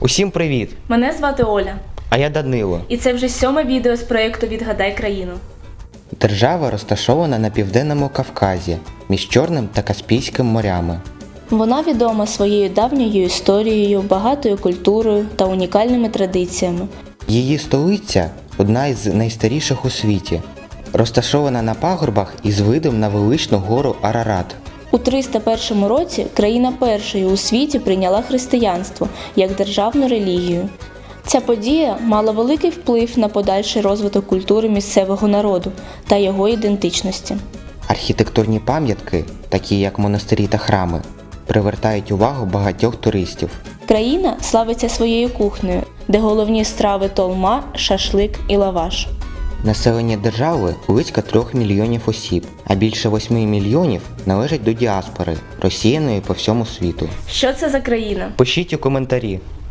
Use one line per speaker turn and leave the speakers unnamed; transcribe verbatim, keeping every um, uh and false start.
Усім привіт!
Мене звати Оля.
А я Данило.
І це вже сьоме відео з проєкту «Відгадай країну».
Держава розташована на Південному Кавказі, між Чорним та Каспійським морями.
Вона відома своєю давньою історією, багатою культурою та унікальними традиціями.
Її столиця – одна із найстаріших у світі, розташована на пагорбах із видом на величну гору Арарат.
У триста першому році країна першою у світі прийняла християнство як державну релігію. Ця подія мала великий вплив на подальший розвиток культури місцевого народу та його ідентичності.
Архітектурні пам'ятки, такі як монастирі та храми, привертають увагу багатьох туристів.
Країна славиться своєю кухнею, де головні страви толма, шашлик і лаваш.
Населення держави близько трьох мільйонів осіб, а більше восьми мільйонів належать до діаспори, розсіяної по всьому світу.
Що це за країна?
Пишіть у коментарі.